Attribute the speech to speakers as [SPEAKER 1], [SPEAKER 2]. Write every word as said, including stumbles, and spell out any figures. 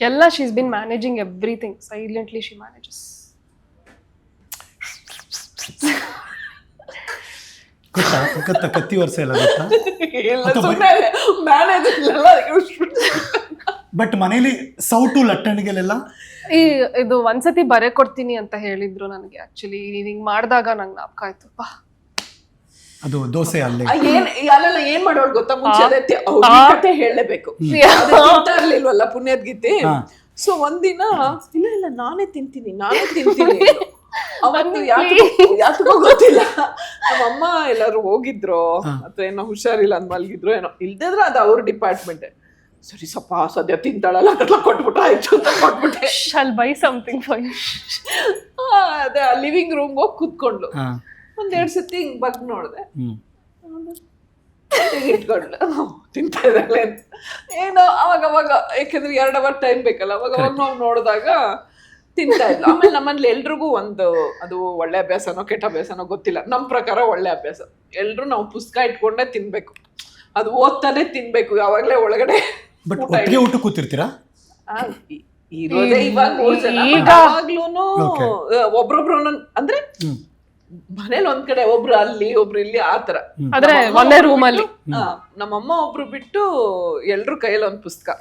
[SPEAKER 1] ಎಲ್ಲ she's been managing everything silently she manages.
[SPEAKER 2] ಗೊತ್ತಾ ಗೊತ್ತಾ ಕತ್ತಿ ವರ್ಷ ಎಲ್ಲ ಗೊತ್ತಾ? ಬಟ್ ಮನೇಲಿ ಸೌಟು ಲಟ್ಟಣಿಗೆಲ್ಲ
[SPEAKER 1] ಈ ಇದು ಒಂದ್ಸತಿ ಬರೆ ಕೊಡ್ತೀನಿ ಅಂತ ಹೇಳಿದ್ರು ನನಗೆ. ಆಕ್ಚುಲಿ ಹಿಂಗ್ ಮಾಡಿದಾಗ ನಂಗೆ ನಾಪ್ಕ ಆಯ್ತಪ್ಪ.
[SPEAKER 2] ಅದು ದೋಸೆ ಅಲ್ಲೇ
[SPEAKER 3] ಏನ್ ಅಲ್ಲೆಲ್ಲ ಏನ್ ಮಾಡೋಳು ಗೊತ್ತಾ, ಮುಂಚೆ ಅದೇ ಕತೆ ಹೇಳಲೇಬೇಕು, ಇರ್ಲಿಲ್ವಲ್ಲ ಪುಣ್ಯದ ಗೀತೆ. ಸೊ ಒಂದಿನ ಇಲ್ಲ ಇಲ್ಲ ನಾನೇ ತಿಂತೀನಿ ನಾನೇ ತಿಂತೀನಿ ಅವತ್ತು ಯಾತಕ್ಕೂ ಗೊತ್ತಿಲ್ಲ, ನಮ್ಮಮ್ಮ ಎಲ್ಲಾರು ಹೋಗಿದ್ರು ಅಥವಾ ಏನೋ ಹುಷಾರಿಲ್ಲ ಅಂದ್ ಮಲ್ಗಿದ್ರು ಏನೋ, ಇಲ್ದಿದ್ರೆ ಅದು ಅವ್ರ ಡಿಪಾರ್ಟ್ಮೆಂಟ್. ಸರಿ ಸಪ್ಪ ಸದ್ಯ ತಿಂತಾಳಲ್ಲ ಅದೆಲ್ಲ ಕೊಟ್ಬಿಟ್ರೆ ಆಯ್ತು ಅಂತ ಕೊಟ್ಬಿಟ್ಟೆ.
[SPEAKER 1] Shall buy something for you.
[SPEAKER 3] ಅದೇ ಲಿವಿಂಗ್ ರೂಮ್ ಹೋಗಿ ಕೂತ್ಕೊಂಡ್ಲು. ಒಂದೆರಡು ಸತಿ ಹಿಂಗ್ ಬಗ್ ನೋಡ್ದೆ, ಇಟ್ಕೊಂಡ್ಲು ತಿಂತಾ ಇದ್ದಾಳೆ ಅಂತ. ಏನೋ ಅವಾಗ ಅವಾಗ ಯಾಕಂದ್ರೆ ಎರಡ್ ಅವರ್ ಟೈಮ್ ಬೇಕಲ್ಲ, ಅವಾಗ ಅವಾಗ ನಾವು ನೋಡಿದಾಗ ತಿಂತಾ ಇದ್ಲು. ಆಮೇಲೆ ನಮ್ಮಲ್ಲಿ ಎಲ್ರಿಗೂ ಒಂದು ಅದು ಒಳ್ಳೆ ಅಭ್ಯಾಸನೋ ಕೆಟ್ಟ ಅಭ್ಯಾಸನೋ ಗೊತ್ತಿಲ್ಲ, ನಮ್ ಪ್ರಕಾರ ಒಳ್ಳೆ ಅಭ್ಯಾಸ. ಎಲ್ರು ನಾವು ಪುಸ್ತಕ ಇಟ್ಕೊಂಡೇ ತಿನ್ಬೇಕು, ಅದು ಓದ್ತಾನೆ ತಿನ್ಬೇಕು, ಯಾವಾಗ್ಲೇ ಒಳಗಡೆ.
[SPEAKER 2] ಬಟ್ ಒಟ್ಟಿಗೆ ಊಟ ಕೂತಿರ್ತೀರಾ?
[SPEAKER 3] ಇರೋದೇ ಇವಾಗ ಮೂರ್ ಜನ, ಯಾವಾಗ್ಲೂನು ಒಬ್ರೊಬ್ರು ಅಂದ್ರೆ ಮನೇಲಿ ಒಂದ್ ಕಡೆ ಒಬ್ರು ಅಲ್ಲಿ ಒಬ್ರು ಇಲ್ಲಿ ಆತರ.
[SPEAKER 1] ಆದ್ರೆ ಒಂದೇ ರೂಮ್ ಅಲ್ಲಿ
[SPEAKER 3] ನಮ್ಮಮ್ಮ ಒಬ್ರು ಬಿಟ್ಟು ಎಲ್ರು ಕೈಯಲ್ಲಿ ಒಂದ್ ಪುಸ್ತಕ.